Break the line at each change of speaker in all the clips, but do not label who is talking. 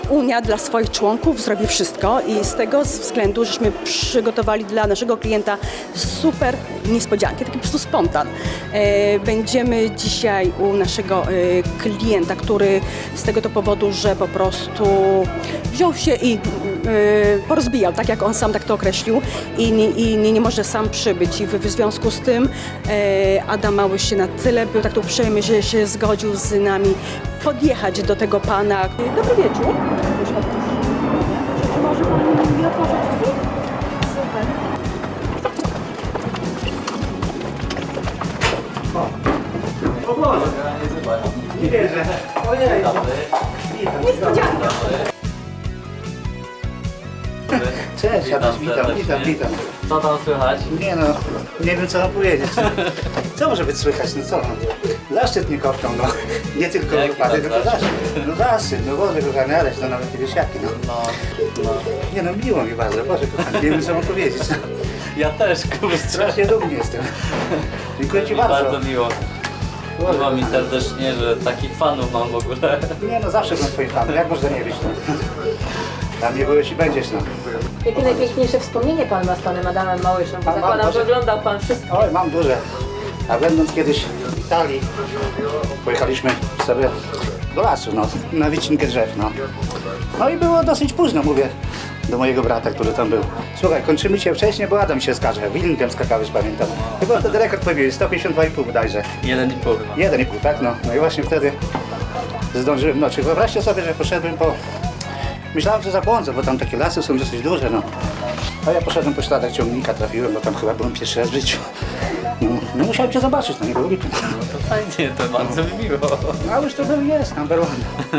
Unia dla swoich członków zrobi wszystko i z tego względu, żeśmy przygotowali dla naszego klienta super niespodzianki, taki po prostu spontan. Będziemy dzisiaj u naszego klienta, który z tego to powodu, że po prostu wziął się i porozbijał, tak jak on sam tak to określił i nie może sam przybyć i w związku z tym Adam Małysz się na tyle był tak uprzejmy, że się zgodził z nami podjechać do tego pana. Dobry wieczór. Czy może pan mi otworzyć drzwi? Super.
O Boże! Nie wierzę. Ojej!
Niespodzianka.
Cześć, Adaś, witam.
Co tam słychać?
Nie no, nie wiem co mam powiedzieć. Co może być słychać, no co? Zaszczyt mnie kopną, no. Nie tylko
Jaki
wypadek,
tam
tylko
zaszczyt?
zaszczyt. No zaszczyt, no Boże kochany, Adaś, no nawet nie wiesz jaki, no.
No.
Nie no, miło mi bardzo, Boże kochany, nie wiem co mam powiedzieć.
Ja też, kurczę.
Strasznie dumny jestem. Dziękuję Ci bardzo.
Bardzo miło. Miło mi serdecznie, że takich fanów mam w ogóle.
Nie no, zawsze byłem Twoim fanem, jak można nie być, no. Dla mnie byłeś i będziesz, no.
Jakie najpiękniejsze wspomnienie Pan ma z Panem Adamem Małyszem? Bo
Mam,
zakładam,
może-
że oglądał Pan wszystko.
Oj, mam duże. A będąc kiedyś w Italii, pojechaliśmy sobie do lasu, no, na wycinkę drzew, no. No i było dosyć późno, mówię do mojego brata, który tam był. Słuchaj, kończymy cię wcześniej, bo Adam się skaże. Willingiem skakałeś, pamiętam. Chyba wtedy rekord pobiłeś, 152,5 bodajże.
1,5 chyba.
1,5, tak? No. No i właśnie wtedy zdążyłem, no, czy wyobraźcie sobie, że poszedłem po... Myślałem, że zabłądzę, bo tam takie lasy są dosyć duże, no. A ja poszedłem po śladach ciągnika, trafiłem, bo tam chyba byłem pierwszy raz w życiu. No musiałem cię zobaczyć, no nie było lipu.
No to fajnie, to bardzo mi miło.
A już to był jest, number one.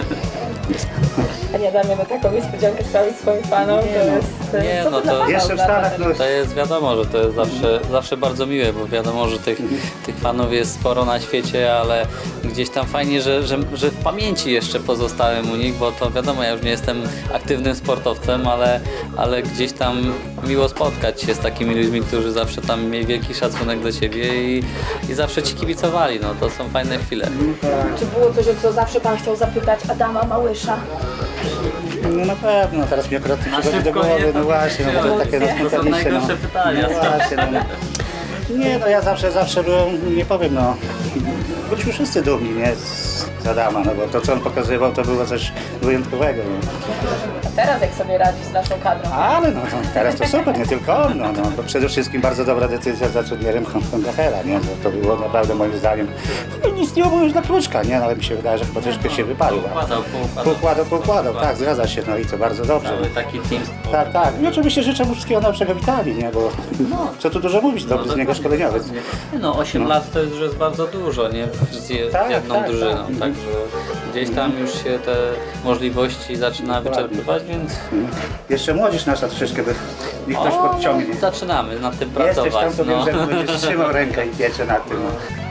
Panie Adamie, no taką niespodziankę sprawić swoim Fanom, to jest...
Nie,
co
no
dla
to-
pana
Jeszcze w
oznacza
Stanach,
ten-
no,
To jest wiadomo, że to jest zawsze bardzo miłe, bo wiadomo, że tych fanów jest sporo na świecie, ale gdzieś tam fajnie, że w pamięci jeszcze pozostałem u nich, bo to wiadomo, ja już nie jestem aktywnym sportowcem, ale gdzieś tam miło spotkać się z takimi ludźmi, którzy zawsze tam mieli wielki szacunek do ciebie i zawsze ci kibicowali, no to są fajne chwile.
Czy było coś, o co zawsze Pan chciał zapytać Adama Małysza?
no na pewno, teraz mi akurat przychodzi do głowy, no właśnie, no bo to takie
To są
najspontaniczne, no.
najgorsze pytania.
No właśnie, no. Nie, no ja zawsze byłem, nie powiem, no, byliśmy wszyscy dumni, nie, z Adama, no bo to co on pokazywał, to było coś wyjątkowego, no.
A teraz jak sobie radzi z naszą kadrą?
Ale no to teraz to super, nie tylko on, no, to przede wszystkim bardzo dobra decyzja za trenierem Kontrahera, nie, to było naprawdę moim zdaniem, no, nic nie było już dla Kluczka, nie, no, ale mi się wydaje, że chyba troszkę się wypalił. Poukładał, tak, zgadza się, no i to bardzo dobrze.
Cały taki team.
Tak. I oczywiście życzę mu wszystkiego najlepszego w Italii, nie, bo co tu dużo mówić, dobry z niego szkoleniowiec.
No 8 lat to już jest bardzo dużo, nie? Z
Tak,
jedną
tak,
drużyną,
tak.
także gdzieś tam już się te możliwości zaczyna wyczerpywać, więc
Jeszcze młodzież nasza troszeczkę by ich ktoś podciągnie.
zaczynamy nad tym
Jesteś
pracować.
tam, to wiem, że będziesz trzymał rękę i pieczę nad tym. No.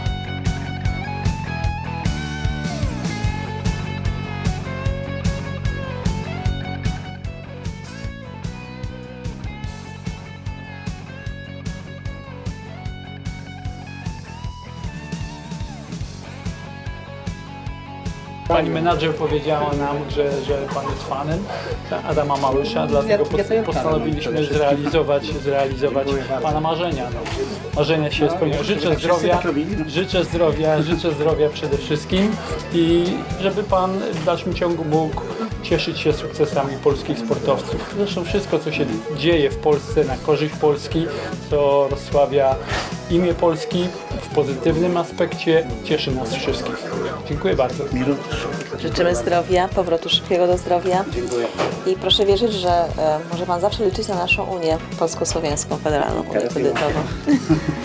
Pani menadżer powiedziała nam, że pan jest fanem Adama Małysza, dlatego postanowiliśmy zrealizować pana marzenia. No. Marzenia się spełnią. Życzę zdrowia przede wszystkim i żeby pan w dalszym ciągu mógł cieszyć się sukcesami polskich sportowców. Zresztą wszystko, co się dzieje w Polsce na korzyść Polski, co rozsławia imię Polski w pozytywnym aspekcie, cieszy nas wszystkich. Dziękuję bardzo.
Życzymy zdrowia, powrotu szybkiego do zdrowia.
Dziękuję.
I proszę wierzyć, że może Pan zawsze liczyć na naszą Unię Polsko-Słowiańską Federalną Unię Kredytową.